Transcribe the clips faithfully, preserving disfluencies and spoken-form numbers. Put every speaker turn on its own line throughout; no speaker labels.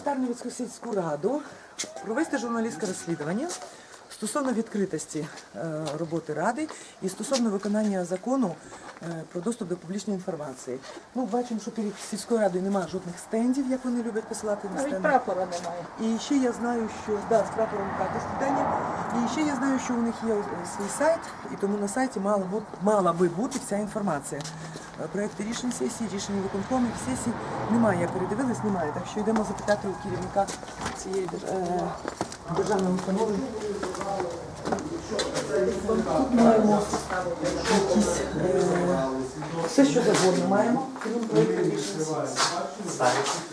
Тарнівську сільську раду провести журналістське розслідування стосовно відкритості роботи ради і стосовно виконання закону про доступ до публічної інформації. Ну, бачимо, що перед сільською радою немає жодних стендів, як вони люблять посилати на стенди.
Навіть прапора немає.
І ще я знаю, що да, з прапором також питання. І ще я знаю, що у них є свій сайт, і тому на сайті мала, бути, мала би бути вся інформація. Проекти рішень сесії, рішення виконкомів, сесій немає. Я передивилась, немає. Так що йдемо запитати у керівника цієї е, державної установи. Тут маємо якісь, е, все, що завгодно маємо, крім проєкту рішень сесії.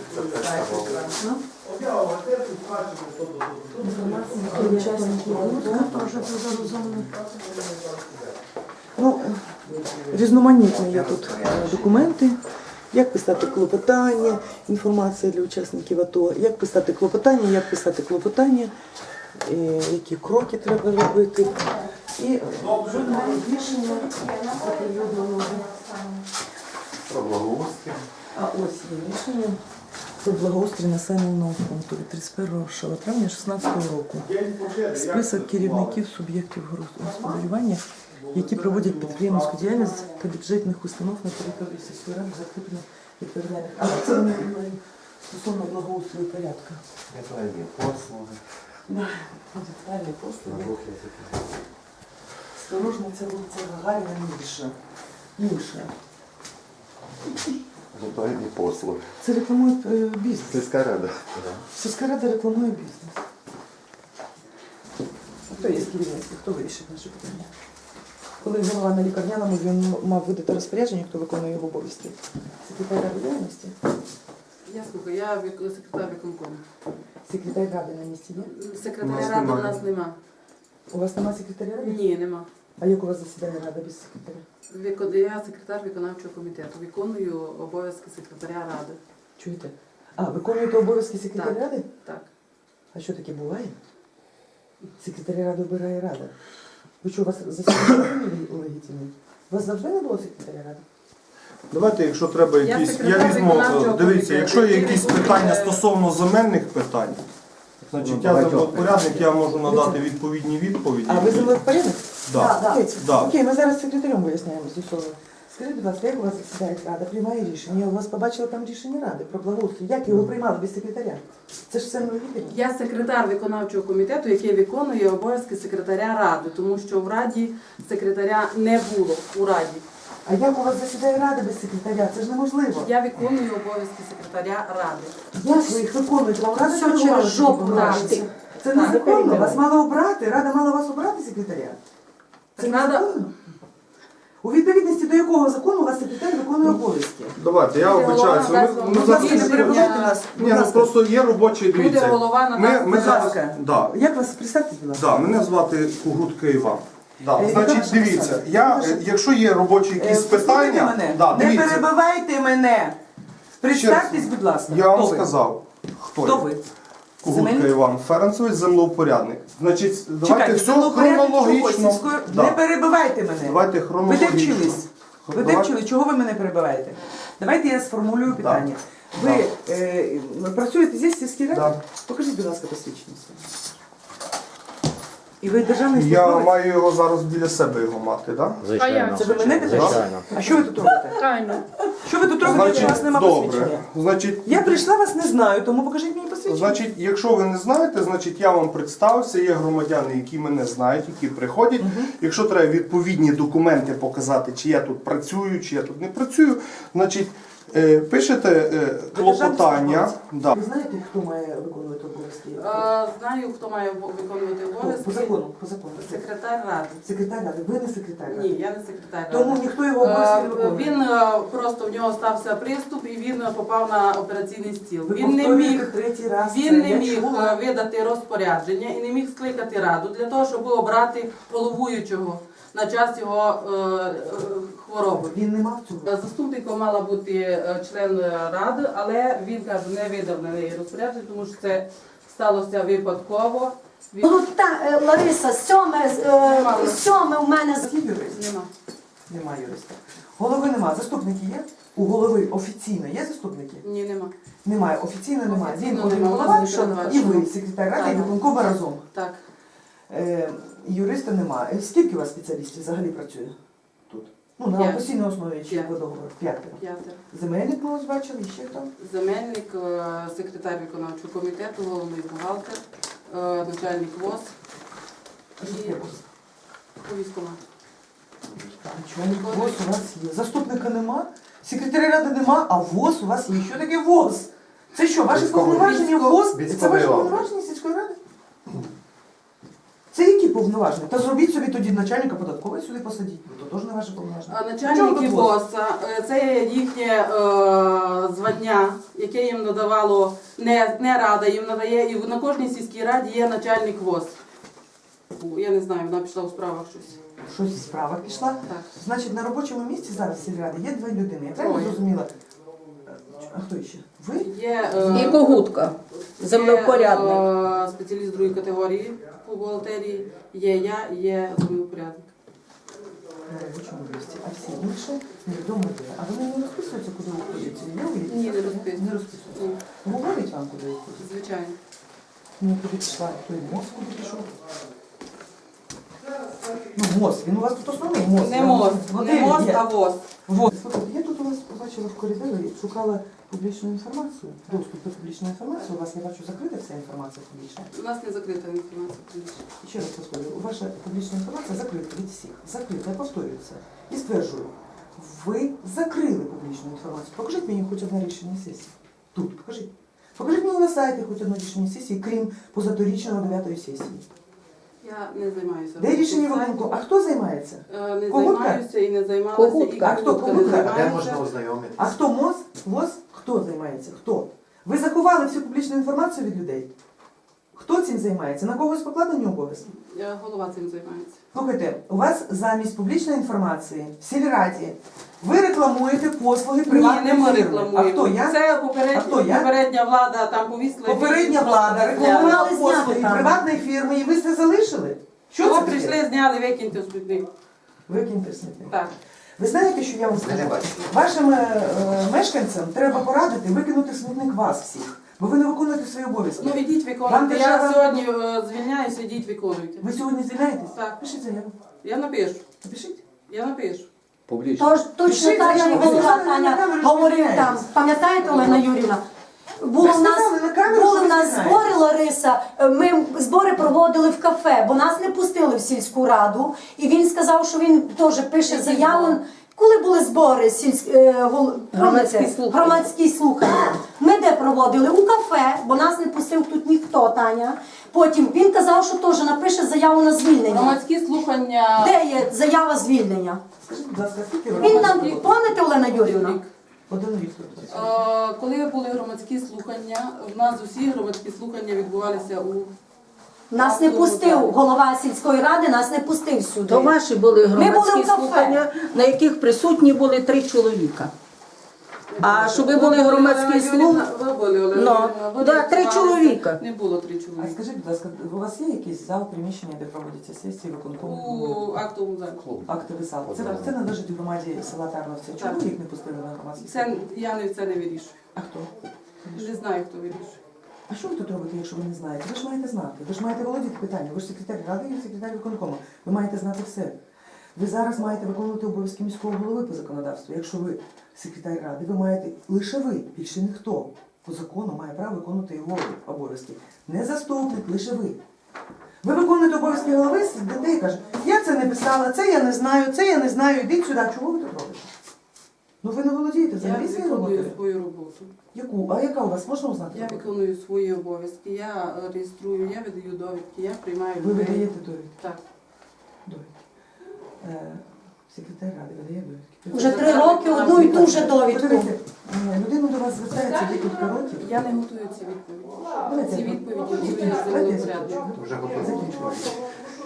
Ну, різноманітні є тут документи, як писати клопотання, інформація для учасників АТО, як писати клопотання, як писати клопотання, які кроки треба робити. І жодне рішення оприлюдненого.
Про благоустрій.
А ось є рішення про благоустрій населеного пункту від тридцять першого травня дві тисячі шістнадцятого року. Список керівників суб'єктів господарювання, які проводять підприємницьку діяльність та бюджетних установ на території сільської ради, закріплено відповідальних. А це не стосовно благоустрою порядку.
Ритуальні послуги.
Да, ритуальні послуги. Осторожно, це вулиця Гагаріна, Міша. Міша.
Ритуальні послуги.
Це рекламує е, бізнес.
Сільська рада.
Сільська рада рекламує бізнес. А хто є з керівництва? Хто вирішить наше питання? Коли голова на лікарняному, він мав видати розпорядження, хто виконує його обов'язки. Секретар ради діяльності?
Я слухаю, я вік- секретар виконкому.
Секретар ради на місці є?
Секретаря ради у нас нема.
У вас немає секретаря ради?
Ні, нема.
А як у вас засідає рада без секретаря?
Викон- Я секретар виконавчого комітету. Виконую обов'язки секретаря ради.
Чуєте? А, виконуєте обов'язки секретаря
Так.
ради?
Так.
А що таке буває? Секретаря ради обирає рада. Ви що, у вас засідання легітимне? У вас завжди не було секретаря ради?
Давайте, якщо треба
Я
якісь, я,
секретар
візьму,
виконавчого
дивіться,
комітету.
якщо є якісь
Який
питання
виконує-
стосовно земельних питань, значить я землевпорядник, я можу надати відповідні відповіді.
А ви землевпорядник?
Да.
Да.
Да.
Окей, ми зараз з секретарем виясняємо з'ясовуємо. Скажіть, будь ласка, як у вас засідає рада, приймає рішення? Я у вас побачила там рішення ради про благоустрій. Як його приймали без секретаря? Це ж все невідомо.
Я секретар виконавчого комітету, який виконує обов'язки секретаря ради, тому що в раді секретаря не було у раді.
А як у вас засідає рада без секретаря? Це ж неможливо.
Я виконую обов'язки секретаря ради.
Як ви їх виконуєте? Вам рада
Все
керувала
через жопу
такими
дати.
повноваженнями? Це
Так.
незаконно. Вас мало обрати. Рада мала вас обрати секретаря. Це
Так рада-
незаконно. У відповідності до якого закону у вас секретар виконує обов'язки?
Давайте, я
Буде
вибачаюся.
голова,
Ми,
дасть
ми
вам
Будь ласка,
зараз...
не перебивайте нас. Будь
Ні, ну
ласка.
просто є робочі,
Буде
дивіться.
голова на
Ми,
нас.
ми
Будь
зараз...
ласка.
Да.
Як вас представте, будь ласка?
Да, мене звати Кугутка Іван. Да.
Е,
Значить,
яка
дивіться,
ваша
я,
посада?
е, якщо є робочі
Е,
якісь
послухайте
питання,
мене.
да,
Не
дивіться,
перебивайте мене. Представтесь, будь ласка.
я вам
Хто ви?
сказав, хто,
Хто
я.
ви?
Кугутка
Земельник?
Іван Ференцович, землеупорядник. Значить, давайте
Чекайте,
все
землевпорядник чого?
хронологічно.
Сільської-
Да.
Не перебивайте мене.
Давайте
Ви де
хронологічно.
вчились? Ви де
Давай-
вчились? Чого ви мене перебиваєте? Давайте я сформулюю питання.
Да.
Ви е, працюєте здесь, в сільській раді?
Да.
Покажіть, будь ласка, посвідчення своє. І ви державний
Я
службовець?
маю його зараз біля себе його мати, так? Да?
Звичайно.
Це ви мене питаєте?
Звичайно.
А що ви тут робите?
Правильно.
Що ви тут робите, якщо у вас немає
добре.
посвідчення?
Значить,
Я прийшла, вас не знаю, тому покажіть мені посвідчення.
Значить, якщо ви не знаєте, значить я вам представився, є громадяни, які мене знають, які приходять. Якщо треба відповідні документи показати, чи я тут працюю, чи я тут не працюю, значить е, пишете е, клопотання. Да.
Ви знаєте, хто має виконувати обов'язки?
Е, Знаю, хто має виконувати
Хто?
обов'язки.
По закону, по закону.
Секретар ради.
Секретар ради. Ви не секретар ради.
Ні, я не секретар ради.
Тому ніхто його обов'язки не
Е,
виконує.
Він е, просто в нього стався приступ і він попав на операційний стіл.
Ви
Він не
повторюєте
міг,
третій раз це.
він не
Я
міг
чула.
е, видати розпорядження і не міг скликати раду для того, щоб обрати головуючого на час його е, е, хвороби.
Він не мав цього.
Заступником мала бути е, член ради, але він каже, не видав на неї розпорядження, тому що це сталося випадково. Він...
Ну та е, Лариса, сьоме, е, сьоме у мене з-
Є юрист?
Нема.
Немає юриста. Голови нема. Заступники є? У голови офіційно є заступники?
Ні, нема.
Немає, офіційно немає. Він
Офіційно
один
нема, у нас
голова,
ніхто не
і ви,
бачив.
секретар ради, і
Так.
виконком разом.
Так.
Е, юриста немає. Скільки у вас спеціалістів взагалі працює тут? Ну, на
П'ять.
постійній основі чи
П'ять.
по договору? П'ятеро.
П'ятеро.
Земельник ми ось бачили, і ще хто?
Замельник, е, секретар виконавчого комітету, головний бухгалтер, е, начальник ВОЗ
Що
і
таке ВОЗ?
військкомат.
Начальник ВОЗ у вас є. Заступника нема, секретаря ради нема, а ВОЗ у вас є. Що таке ВОЗ? Це що, ваші
Військовий.
повноваження ВОЗ? Це
Військовий
ваші
орган.
повноваження сільської ради? Це які повноваження? Та зробіть собі тоді начальника податкової сюди посадіть. Бо то теж не ваше повноваження.
А
Чому
начальники
тут ВОЗ?
ВОЗ е, це є їхнє е, звання, яке їм надавало не, не рада, їм надає, і на кожній сільській раді є начальник ВОЗ. Фу, я не знаю, вона пішла у справах щось.
Щось в справах пішла.
Так.
Значить, на робочому місці зараз в сільраді є дві людини. Я правильно
Троє.
зрозуміла? А хто ще? Ви?
Є е,
І Когутка, землевпорядник.
Є, е, спеціаліст другої категорії по бухгалтерії, є я, є землевпорядник.
На робочому місці. А всі інші невідомо де. А вони не розписуються, куди виходять? Є у лісі?
Ні, не розписуються.
Не розписуються.
Ні,
Говорять вам, куди виходять?
звичайно.
Ну, куди пішла? Той МОЗ куди пішов? Ну, МОЗ. Він у вас тут основний МОЗ.
Не МОЗ, не МОЗ, а ВОЗ.
Вот. Слухайте, я тут у вас побачила в коридорі, шукала публічну інформацію. Доступ до публічної інформації. У вас, я бачу, закрита вся інформація публічна.
У нас не закрита інформація публічна.
І ще раз повторюю, ваша публічна інформація закрита від всіх. Закрита, я повторюю це. І стверджую, ви закрили публічну інформацію. Покажіть мені хоч одне рішення сесії. Тут, покажіть. Покажіть мені на сайті хоч одне рішення сесії, крім позаторічного дев'ятої сесії.
Я не займаюся.
Де рішення
роботою
виконку?
сайту.
А хто займається?
Е, Не
Когутка?
займаюся і не займалася.
Когутка.
і
А хто
Когутка не
Когутка?
А де
займається.
можна ознайомитися?
А хто МОЗ? ВОЗ? Хто займається? Хто? Ви заховали всю публічну інформацію від людей? Хто цим займається? На когось покладені обов'язки?
Е, Голова цим займається.
Слухайте, у вас замість публічної інформації в сільраді ви рекламуєте послуги
Ні,
приватної
не ми
фірми.
рекламуємо.
А хто я?
Це
А
попередня,
хто я?
попередня влада там повісила.
Попередня
відео,
влада
просто
рекламувала
зняли.
послуги
Зняти там.
приватної фірми і ви це залишили? Що
Що
це
прийшли,
таке?
зняли, викиньте в смітник.
Викиньте смітник.
Так.
Ви знаєте, що я вам скажу?
Не бачу.
Вашим е, е, мешканцям треба порадити викинути в смітник вас всіх, бо ви не виконуєте свої обов'язки.
Ну ідіть
Вам
виконуйте. Я
держава-
сьогодні е, звільняюся, ідіть виконуйте.
Ви сьогодні звільняєтесь?
Так.
Пишіть заяву.
Я напишу.
Напишіть.
Я напишу.
Публічно.
Тож точно
Пишіть
так,
заяву.
як
Ви
голова
сказали, на
Таня
камеру, що
говорив там.
звільняєтесь.
Пам'ятаєте, Олена Юрівна? Було
Ви
в нас,
сказали на камеру,
були
що
в нас
ви
збори, Лариса, ми збори проводили в кафе, бо нас не пустили в сільську раду. І він сказав, що він теж пише
Які
заяву.
збори?
Коли були збори сільськ... е, гол-
Громадські
помните?
слухання.
громадські слухання, ми де проводили? У кафе, бо нас не пустив тут ніхто, Таня. Потім він казав, що теж напише заяву на звільнення.
Громадські слухання.
Де є заява звільнення?
Скажіть, будь ласка, скільки
Він
років?
нам, пам'ятаєте, Олена Юрівна?
Рік.
Один рік тут.
Е, Коли були громадські слухання, в нас усі громадські слухання відбувалися у
Нас не пустив, голова сільської ради нас не пустив сюди.
То ваші були
були
громадські
в кафе.
слухання, на яких присутні були три чоловіка. А щоб ви були громадські слухання,
Ви були, Олена
Ну,
Юріївна, ви
да, три
реєструвалися.
чоловіка.
Не було три
А
чоловіка.
скажіть, будь ласка, у вас є якийсь зал, приміщення, де проводяться сесії, виконкому?
У актовому залі.
Актовий зал. Це, це належить громаді села Тарновця. Чому
Так.
їх не пустили на громадські
Це
слухання?
я не це не вирішую.
А хто?
Не знаю, хто вирішує.
А що ви тут робите, якщо ви не знаєте? Ви ж маєте знати. Ви ж маєте володіти питанням. Ви ж секретар ради і секретар виконкому. Ви маєте знати все. Ви зараз маєте виконувати обов'язки міського голови по законодавству. Якщо ви секретар ради, ви маєте лише ви, більше ніхто по закону має право виконувати його обов'язки. Не заступник, лише ви. Ви виконуєте обов'язки голови, сидите і каже, я це не писала, це я не знаю, це я не знаю, ідіть сюди. Чого ви тут робите? Ну ви не володієте
Я
взагалі своєю
виконую
роботою?
свою роботу.
Яку? А яка у вас? Можна узнати?
Я виконую свої обов'язки, я е, реєструю, я видаю довідки, я приймаю
Ви
людей.
видаєте довідки?
Так.
Довідки. Е, секретар ради видає довідки.
Вже три роки одну і ту же довідку.
Подивіться, е, людина до вас звертається декілька років.
Я не готую ці відповіді.
Давайте,
Ці відповіді готує
давайте я
землепорядник.
закінчу.
Вже готово.
Закінчую.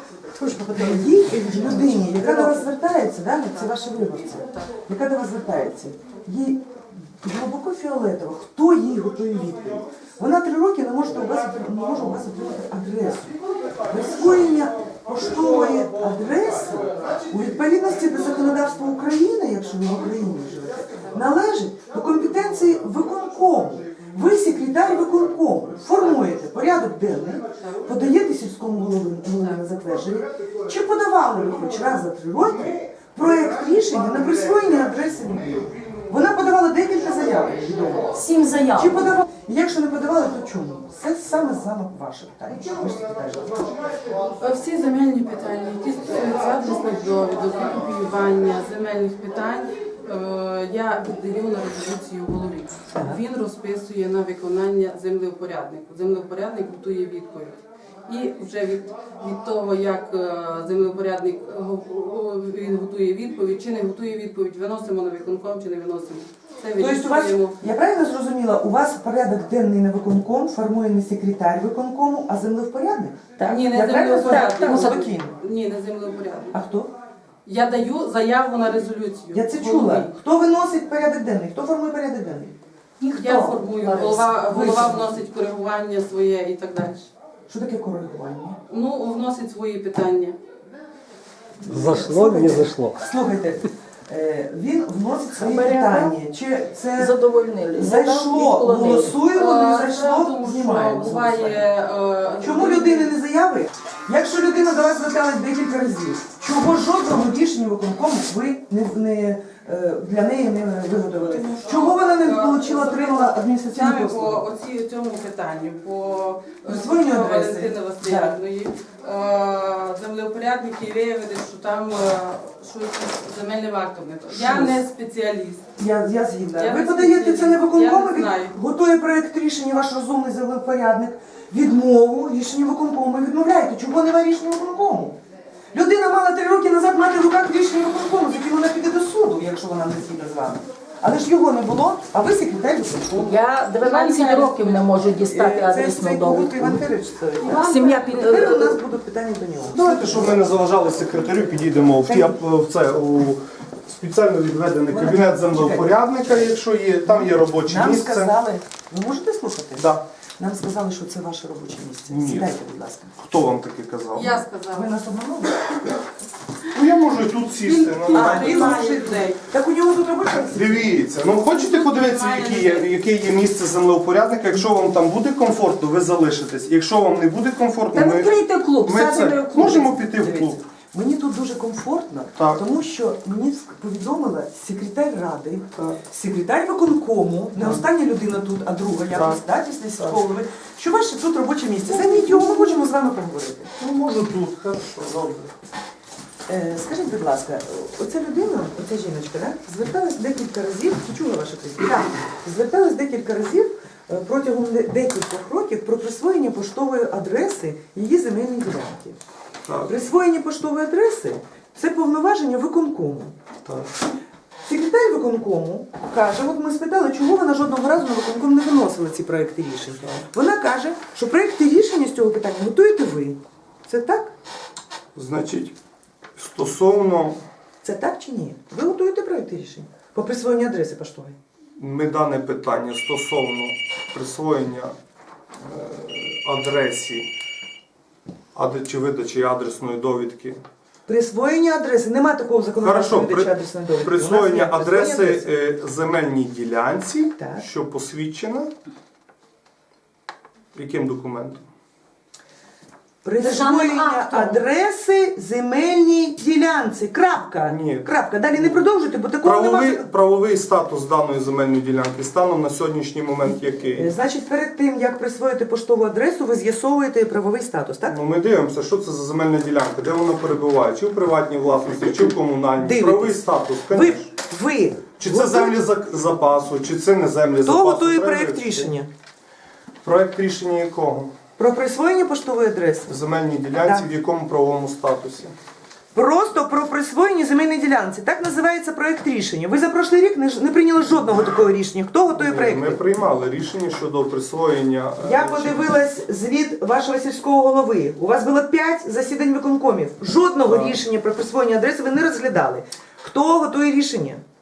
Їй людині, яка до вас звертається, да? це ваші виборці, яка до вас звертається, їй глибоко фіолетово, хто їй готує відповідь. Вона три роки не може у вас, не може у вас отримати адресу. Присвоєння поштової адреси у відповідності до законодавства України, якщо ви в Україні живете, належить до компетенції виконкому. Ви секретар виконкому, формуєте порядок денний, подаєте сільському голові на затвердження. Чи подавали ви хоч раз за три роки проєкт рішення на присвоєння адреси людини? Вона подавала декілька заяв, відомо.
Сім заяв.
Чи подавали? Якщо не подавали, то чому? Це саме саме ваше питання. Ви ж секретар.
Всі земельні питання, які стосуються адресних довідок, копіювання земельних питань, е, я віддаю на резолюцію голові. Він розписує на виконання землевпоряднику. Землевпорядник готує відповідь. І вже від, від того, як е, землевпорядник го- го- він готує відповідь, чи не готує відповідь, виносимо на виконком чи не виносимо. Це
Тобто у вас,
вирішуємо.
я правильно зрозуміла, у вас порядок денний на виконком формує не секретар виконкому, а землевпорядник?
Так.
Ні, не
Я правильно
землевпорядник.
зрозуміла?
Ну,
Спокійно.
Ні, не землевпорядник.
А хто?
Я даю заяву на резолюцію.
Я це
голові.
чула. Хто виносить порядок денний? Хто формує порядок денний?
Ніхто.
Я формую,
Лариса.
голова,
Ви
голова
формуєте.
вносить коригування своє і так далі.
Що таке коригування?
Ну, вносить свої питання.
Зашло, не зашло.
Слухайте, е, він вносить свої питання. Чи це
Задовольнили.
зайшло, голосуємо, не
Е,
зайшло,
тому що
знімаємо.
буває, е,
Чому людини не заяви? Якщо людина до вас зверталась декілька разів, чого жодного рішення виконкому ви не, не, е, для неї не виготовили? Чого вона не отримала, отримала адміністративну
саме по
послугу?
оці, цьому питанню, по
Присвоєнню
е,
адреси.
Валентини Васильівної, е, землеупорядники виявили, що там е, щось з земельним актом не то. Я не спеціаліст.
Я, я згідна.
Я
Ви
не
подаєте це на
спеціаліст.
виконком,
Я не
він
знаю.
готує проєкт рішення, ваш розумний землепорядник, відмову, рішення виконкому, відмовляєте. Чого немає рішення виконкому? Людина мала три роки назад мати в руках рішення виконкому, з яким вона піде до суду, якщо вона не згідна з вами. Але ж його не було, а ви секретар виконкому.
Я дванадцять років не можу дістати
Е, Це ж
адресну
цей Кугут
довідку.
Іван Федорович це.
Сім'я під...
Тепер у нас будуть питання до нього.
Давайте, щоб ми не заважали секретарю, підійдемо в, ті, в це у спеціально відведений кабінет землевпорядника, якщо є, там є робоче
Нам
місце.
сказали, ви можете слухати?
Да.
Нам сказали, що це ваше робоче місце.
Ні.
Сідайте, будь ласка.
Хто вам таке казав?
Я
Ви
сказала.
нас обманули?
Ну я можу і тут сісти. ну,
А, він
Немає
може
людей.
Так у нього тут робоче місце?
Дивіться, ну хочете подивитися, яке є, яке є місце землеупорядника? Якщо вам там буде комфортно, ви залишитесь. Якщо вам не буде комфортно,
Та
ми,
відкрийте клуб,
ми
садимо
це
в клуб.
можемо піти в клуб.
Дивіться, мені тут дуже комфортно,
Так.
тому що мені повідомила секретар ради,
Так.
секретар виконкому, не остання людина тут, а друга, якось, да, після сільського голови, що ваше тут робоче місце. Займіть його, ми можемо з вами поговорити.
Ну можу тут, хорошо, добре.
Е, скажіть, будь ласка, оця людина, оця жіночка, да, зверталась декілька разів, чи чула ваше прізвище? Так. Зверталась декілька разів е, протягом де- декількох років про присвоєння поштової адреси її земельної ділянки.
Так,
Присвоєння поштової адреси – це повноваження виконкому.
так.
Секретар виконкому каже, от ми спитали, чого вона жодного разу на виконком не виносила ці проекти рішень. Вона каже, що проекти рішення з цього питання готуєте ви. Це так?
Значить, стосовно
Це так чи ні? Ви готуєте проекти рішень по присвоєнню адреси поштової?
ми дане питання стосовно присвоєння е, адресі ад- чи видачі адресної довідки.
Присвоєння адреси. Нема такого законодавства
Хорошо,
видачі
при,
адресної довідки. У нас
присвоєння
є присвоєння
адреси
адреси.
е, земельній ділянці,
Так.
що посвідчена яким документом?
Присвоєння
Державним актом.
адреси земельній ділянці. Крапка.
Ні.
Крапка. Далі не продовжуйте, бо такого
Правовий,
немає.
правовий статус даної земельної ділянки станом на сьогоднішній момент
Е,
який?
Значить, перед тим, як присвоїти поштову адресу, ви з'ясовуєте правовий статус, так?
Ну, ми дивимося, що це за земельна ділянка, де вона перебуває, чи в приватній власності, чи в комунальній.
Дивитесь.
Правовий статус,
Ви,
звісно.
ви
Чи це землі за- запасу, чи це не землі
Хто
запасу.
готує
треба
проєкт
вивчити.
рішення?
Проєкт рішення якого?
Про присвоєння поштової адреси?
В земельній ділянці,
Так.
в якому правовому статусі?
Просто про присвоєння земельної ділянці. Так називається проєкт рішення. Ви за прошлий рік не, ж- не прийняли жодного такого рішення. Хто готує проєкт?
Ми приймали рішення щодо присвоєння. е,
Я
чи-
подивилась звіт вашого сільського голови. У вас було п'ять засідань виконкомів. Жодного
Так.
рішення про присвоєння адреси ви не розглядали. Хто готує рішення?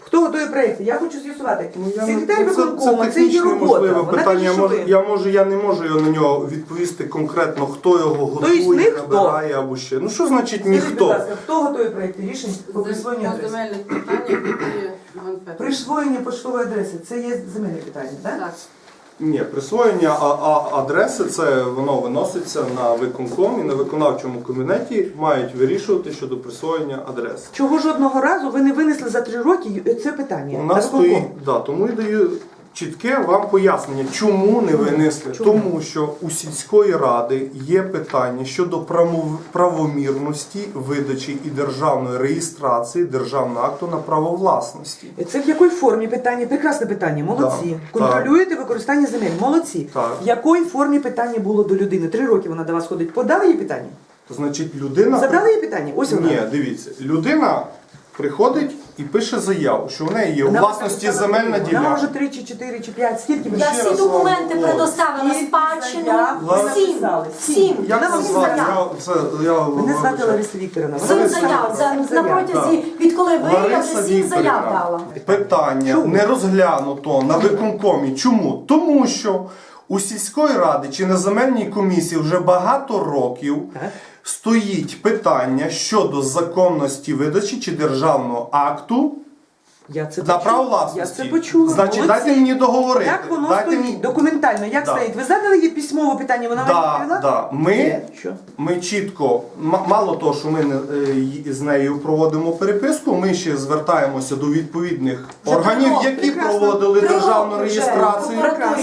Хто готує проєкти? Я хочу з'ясувати.
Ну, я не-
Секретар
це-
виконкома,
це
це її
технічне
робота.
можливе
Вона
питання.
каже,
Я
що
можу,
ви-
я можу, я не можу його на нього відповісти конкретно, хто його готує,
не хто.
набирає або ще. Ну що значить
Скажіть, будь
ніхто?
ласка, хто готує проєкти рішень по присвоєнню
По
адреси?
земельних питаннях, які Іван Петрович.
Присвоєння поштової адреси це є земельне питання, так?
Так.
Ні, присвоєння а, а, адреси це воно виноситься на виконком і на виконавчому кабінеті мають вирішувати щодо присвоєння адреси.
Чого жодного разу ви не винесли за три роки це питання?
У
на
нас
виконком?
стоїть, да, тому і даю чітке вам пояснення, чому не винесли.
Чому?
Тому що у сільської ради є питання щодо прамо- правомірності видачі і державної реєстрації державного акту на право власності.
Це в якій формі питання? Прекрасне питання, молодці.
Да,
Контролюєте використання земель, молодці.
Так.
В якій формі питання було до людини? Три роки вона до вас ходить. Подали їй питання?
То значить людина.
Задали їй питання? Ось вона.
Ні, дивіться, людина приходить і пише заяву, що в неї є у
Вона
власності земельна
Вона
ділянка.
може три чи чотири чи п'ять. Скільки ви
Я
ще
всі
раз
документи
вам
предоставила
Скільки
спадщину.
заяв ви
Сім.
написали?
Сім.
Як
Вона
вас
вам
звати?
заяв.
Я, це, я,
Мене звати
вибачаю.
Лариса Вікторівна.
Сім
Лариса
заяв. За,
Сім
на
заяв.
протязі, відколи ви, я
Лариса
вже сім заяв
Вікторівна,
дала.
питання
Чому?
не розглянуто на виконкомі. Чому? Тому що у сільської ради чи на земельній комісії вже багато років
Так.
стоїть питання щодо законності видачі чи державного акту
Я це
на
почула.
право
Я
власності.
це почула.
Значить,
Молодці.
дайте мені договорити.
Як воно
Дайте
стоїть?
мені-
Документально, як
Да.
стоїть? Ви задали їй письмове питання, вона вам
Да,
відповіла?
да. Ми,
Ні. Що?
ми чітко, м- мало того, що ми не- е, й- з нею проводимо переписку, ми ще звертаємося до відповідних
Вже
органів,
три роки.
які
Прекрасно.
проводили
Три
державну
роки вже.
реєстрацію.
Прокуратурі